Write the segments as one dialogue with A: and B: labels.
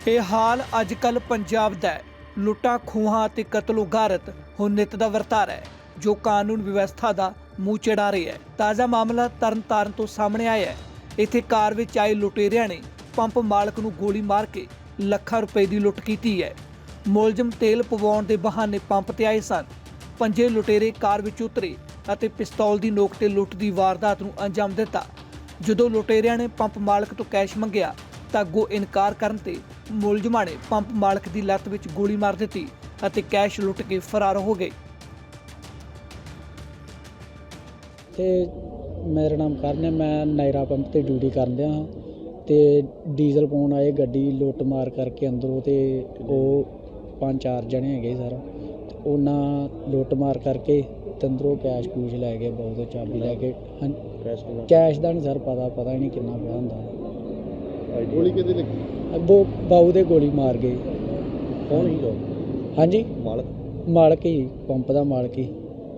A: ਇਹ ਹਾਲ ਅੱਜ ਕੱਲ੍ਹ ਪੰਜਾਬ ਦਾ ਹੈ। ਲੁੱਟਾਂ ਖੋਹਾਂ ਅਤੇ ਕਤਲੋ ਗਾਰਤ ਹੁਣ ਨਿੱਤ ਦਾ ਵਰਤਾਰਾ ਹੈ ਜੋ ਕਾਨੂੰਨ ਵਿਵਸਥਾ ਦਾ ਮੂੰਹ ਚੜਾ ਰਿਹਾ ਹੈ। ਤਾਜ਼ਾ ਮਾਮਲਾ ਤਰਨਤਾਰਨ ਤੋਂ ਸਾਹਮਣੇ ਆਇਆ ਹੈ। ਇੱਥੇ ਕਾਰ ਵਿੱਚ ਆਏ ਲੁਟੇਰਿਆਂ ਨੇ ਪੰਪ ਮਾਲਕ ਨੂੰ ਗੋਲੀ ਮਾਰ ਕੇ ਲੱਖਾਂ ਰੁਪਏ ਦੀ ਲੁੱਟ ਕੀਤੀ ਹੈ। ਮੁਲਜ਼ਮ ਤੇਲ ਪਵਾਉਣ ਦੇ ਬਹਾਨੇ ਪੰਪ ਤੇ ਆਏ ਸਨ। ਪੰਜੇ ਲੁਟੇਰੇ ਕਾਰ ਵਿੱਚ ਉਤਰੇ ਅਤੇ ਪਿਸਤੌਲ ਦੀ ਨੋਕ ਤੇ ਲੁੱਟ ਦੀ ਵਾਰਦਾਤ ਨੂੰ ਅੰਜਾਮ ਦਿੱਤਾ। ਜਦੋਂ ਲੁਟੇਰਿਆਂ ਨੇ ਪੰਪ ਮਾਲਕ ਤੋਂ ਕੈਸ਼ ਮੰਗਿਆ ਤਾਂ ਅੱਗੋਂ ਇਨਕਾਰ ਕਰਨ ਤੇ ਮੁਲਜ਼ਮਾਂ ਨੇ ਪੰਪ ਮਾਲਕ ਦੀ ਲੱਤ ਵਿੱਚ ਗੋਲੀ ਮਾਰ ਦਿੱਤੀ ਅਤੇ ਕੈਸ਼ ਲੁੱਟ ਕੇ ਫਰਾਰ ਹੋ ਗਏ।
B: ਤੇ ਮੇਰਾ ਨਾਮ ਕਰਨ ਹੈ। ਮੈਂ ਨਾਇਰਾ ਪੰਪ ਤੇ ਡਿਊਟੀ ਕਰਦਾ ਹਾਂ ਤੇ ਡੀਜ਼ਲ ਪਾਉਣ ਆਏ ਗੱਡੀ ਲੁੱਟ ਮਾਰ ਕਰਕੇ ਅੰਦਰੋਂ ਤੇ ਉਹ 5-4 ਜਣੇ ਹੈਗੇ ਸਰ। ਤੇ ਉਹਨਾਂ ਲੁੱਟ ਮਾਰ ਕਰਕੇ ਤੇ ਅੰਦਰੋਂ ਕੈਸ਼ ਕੂਸ਼ ਲੈ ਗਏ, ਬਹੁਤ ਚਾਬੀ ਲੈ ਕੇ। ਕੈਸ਼ ਦਾ ਨਹੀਂ ਸਰ ਪਤਾ ਹੀ ਨਹੀਂ ਕਿੰਨਾ ਪਿਆ ਹੁੰਦਾ।
C: ਗੋਲੀ ਕਿਹਦੇ ਲੱਗੀ?
B: ਬਾਊ ਦੇ ਗੋਲੀ ਮਾਰ ਗਏ।
C: ਕੌਣ ਸੀਗਾ?
B: ਹਾਂਜੀ, ਮਾਲਕ ਹੀ, ਪੰਪ ਦਾ ਮਾਲਕ ਹੀ।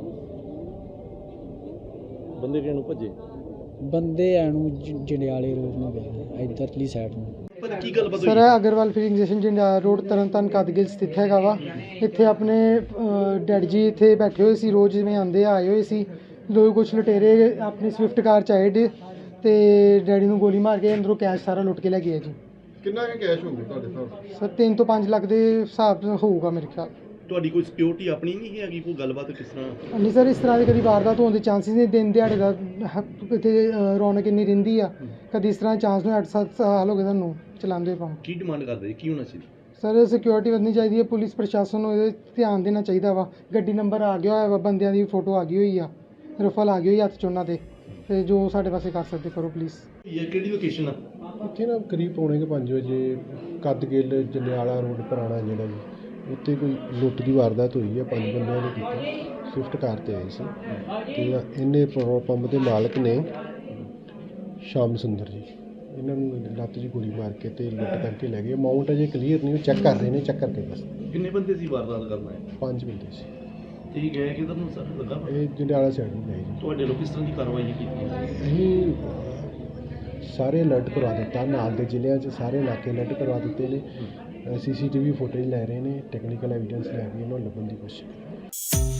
C: ਬੰਦੇ ਕਿਹਨੂੰ ਭੱਜੇ? ਬੰਦੇ
B: ਐਨੂੰ ਜੰਡਿਆਲੇ ਰੋਡ ਨੂੰ ਗਏ, ਇੱਧਰਲੀ ਸਾਈਡ ਨੂੰ।
C: ਕੀ ਗੱਲ ਬਦਲ
D: sir Agarwal filling station Jandiala road Tarn Taran ਕਦਗਿਲ ਸਥਿਤ ਹੈਗਾ ਵਾ। ਇੱਥੇ ਆਪਣੇ ਡੈਡ ਜੀ ਇੱਥੇ ਬੈਠੇ ਹੋਏ ਸੀ, ਰੋਜ਼ ਜਿਵੇਂ ਆਉਂਦੇ ਆਏ ਹੋਏ ਸੀ। ਦੋ ਕੁਛ ਲੁਟੇਰੇ ਆਪਣੀ ਸਵਿਫਟ ਕਾਰ 'ਚ ਆਏ ਤੇ ਡੈਡੀ ਨੂੰ ਗੋਲੀ ਮਾਰ ਕੇ ਅੰਦਰੋਂ ਕੈਸ਼ ਸਾਰਾ ਲੁੱਟ ਕੇ ਲੈ ਗਏ ਜੀ।
C: ਕਿੰਨਾ ਕੁ ਕੈਸ਼ ਹੋਊਗਾ ਤੁਹਾਡੇ ਹਿਸਾਬ?
D: ਸਰ 3 ਤੋਂ 5 ਲੱਖ ਦੇ ਹਿਸਾਬ ਹੋਊਗਾ ਮੇਰੇ ਖਿਆਲ।
C: ਤੁਹਾਡੀ ਕੋਈ ਸਿਕਿਉਰਿਟੀ ਆਪਣੀ ਨਹੀਂ ਹੈਗੀ? ਕੋਈ ਗੱਲਬਾਤ ਕਿਸ ਤਰ੍ਹਾਂ?
D: ਨਹੀਂ ਸਰ, ਇਸ ਤਰ੍ਹਾਂ ਦੇ ਕਦੀ ਵਾਰਦਾਤ ਹੋਣ ਦੇ ਚਾਂਸਿਸ ਨੇ। ਦਿਨ ਦਿਹਾੜੇ ਦਾ ਇੱਥੇ ਰੌਣਕ ਇੰਨੀ ਰਹਿੰਦੀ ਆ, ਕਦੀ ਇਸ ਤਰ੍ਹਾਂ ਚਾਂਸ ਨੂੰ 8-7 ਸਾਲ ਹੋ ਗਏ ਤੁਹਾਨੂੰ ਚਲਾਉਂਦੇ ਪਾ।
C: ਕੀ ਡਿਮਾਂਡ ਕਰਦੇ ਜੀ? ਕੀ ਹੋਣਾ ਚਾਹੀਦਾ?
D: ਸਰ ਸਿਕਿਉਰਿਟੀ ਵਧਣੀ ਚਾਹੀਦੀ ਹੈ। ਪੁਲਿਸ ਪ੍ਰਸ਼ਾਸਨ ਨੂੰ ਇਹਦੇ ਧਿਆਨ ਦੇਣਾ ਚਾਹੀਦਾ ਵਾ। ਗੱਡੀ ਨੰਬਰ ਆ ਗਿਆ ਹੋਇਆ ਵਾ, ਬੰਦਿਆਂ ਦੀ ਫੋਟੋ ਆ ਗਈ ਹੋਈ ਆ, ਰਫਲ ਆ ਗਈ ਹੋਈ ਹੱਥ 'ਚ ਉਹਨਾਂ ਦੇ। ਤੇ ਜੋ ਸਾਡੇ ਪਾਸੇ ਕਰ ਸਕਦੇ ਕਰੋ ਪਲੀਜ਼।
C: ਇਹ ਕਿਹੜੀ ਲੋਕੇਸ਼ਨ ਆ?
E: ਇੱਥੇ ਨਾ ਕਰੀਬ ਪੌਣੇ 5 ਵਜੇ ਕਦਗਿਲ ਜੰਡਿਆਲਾ ਰੋਡ ਪੁਰਾਣਾ ਜਿਹੜਾ ਜੀ, ਉੱਥੇ ਕੋਈ ਲੁੱਟ ਦੀ ਵਾਰਦਾਤ ਹੋਈ ਹੈ। 5 ਬੰਦਿਆਂ ਨੇ ਕੀਤੀ, ਸਵਿਫਟ ਕਾਰ 'ਤੇ ਆਏ ਸੀ। ਤੇ ਇਹਨੇ ਪੈਟਰੋਲ ਪੰਪ ਦੇ ਮਾਲਕ ਨੇ ਸ਼ਾਮ ਸੁੰਦਰ ਜੀ, ਇਹਨਾਂ ਨੂੰ ਲੱਤ 'ਚ ਗੋਲੀ ਮਾਰ ਕੇ ਤੇ ਲੁੱਟ ਕਰਕੇ ਲੈ ਗਏ। ਅਮਾਊਂਟ ਅਜੇ ਕਲੀਅਰ ਨਹੀਂ, ਉਹ ਚੈੱਕ ਕਰ ਰਹੇ ਨੇ, ਚੈੱਕ ਕਰਕੇ ਦੱਸ।
C: ਕਿੰਨੇ ਬੰਦੇ ਸੀ ਵਾਰਦਾਤ ਕਰਨਾ ਹੈ?
E: 5 ਬੰਦੇ ਸੀ।
C: ਠੀਕ ਹੈ, ਕਿਧਰ ਨੂੰ ਸਰ ਲੱਗਾ?
E: ਇਹ ਜੰਡਿਆਲਾ ਸਾਈਡ ਨੂੰ ਗਏ ਜੀ।
C: ਤੁਹਾਡੇ ਲੋਕ ਕਿਸ ਤਰ੍ਹਾਂ ਦੀ ਕਾਰਵਾਈ ਕੀਤੀ?
E: ਅਸੀਂ ਸਾਰੇ ਅਲਰਟ ਕਰਵਾ ਦਿੱਤਾ, ਨਾਲ ਦੇ ਜ਼ਿਲ੍ਹਿਆਂ 'ਚ ਸਾਰੇ ਇਲਾਕੇ ਅਲਰਟ ਕਰਵਾ ਦਿੱਤੇ ਨੇ। CCTV ਫੁਟੇਜ ਲੈ ਰਹੇ ਨੇ, ਟੈਕਨੀਕਲ ਐਵੀਡੈਂਸ ਲੈ ਕੇ ਇਹਨਾਂ ਨੂੰ ਲੱਭਣ ਦੀ ਕੋਸ਼ਿਸ਼ ਕਰ ਰਹੇ ਨੇ।